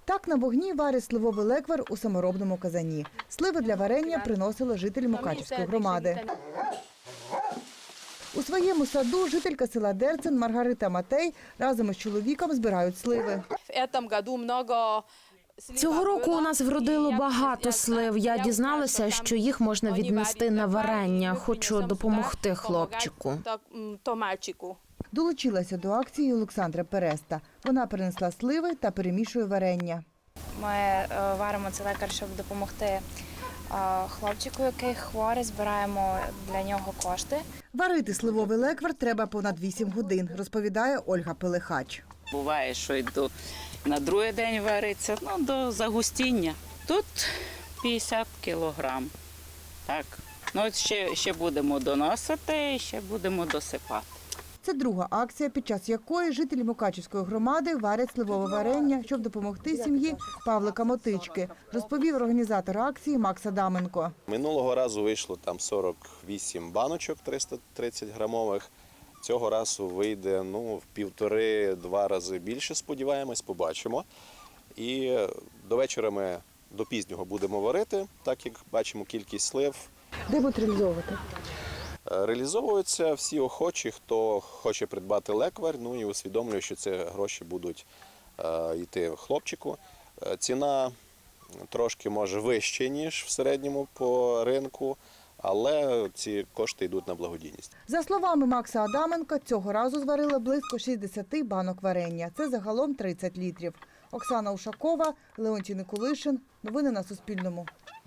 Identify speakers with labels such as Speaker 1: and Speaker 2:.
Speaker 1: Так на вогні варять сливовий леквар у саморобному казані. Сливи для варення приносили жителі Мукачівської громади. У своєму саду жителька села Дерцен Маргарита Матей разом із чоловіком збирають сливи.
Speaker 2: Цього року у нас вродило багато слив. Я дізналася, що їх можна віднести на варення. Хочу допомогти хлопчику.
Speaker 1: Долучилася до акції Олександра Переста. Вона принесла сливи та перемішує варення.
Speaker 3: Ми варимо цей лекар, щоб допомогти хлопчику, який хворий, збираємо для нього кошти.
Speaker 1: Варити сливовий леквар треба понад 8 годин, розповідає Ольга Пелехач.
Speaker 4: Буває, що йду на другий день вариться, до загустіння. Тут 50 кілограм. Так. От ще будемо доносити і ще будемо досипати.
Speaker 1: Це друга акція, під час якої жителі Мукачівської громади варять сливове варення, щоб допомогти сім'ї Павлика Мотички, розповів організатор акції Макс Адаменко.
Speaker 5: Минулого разу вийшло там 48 баночок 330 грамових. Цього разу вийде в 1,5-2 рази більше, сподіваємось, побачимо. І до вечора ми до пізнього будемо варити, так як бачимо кількість слив.
Speaker 1: Де будуть реалізовувати?
Speaker 5: Реалізовуються всі охочі, хто хоче придбати леквар, і усвідомлює, що ці гроші будуть йти хлопчику. Ціна трошки може вища, ніж в середньому по ринку, але ці кошти йдуть на благодійність.
Speaker 1: За словами Макса Адаменка, цього разу зварили близько 60 банок варення. Це загалом 30 літрів. Оксана Ушакова, Леонтій Никулишин. Новини на Суспільному.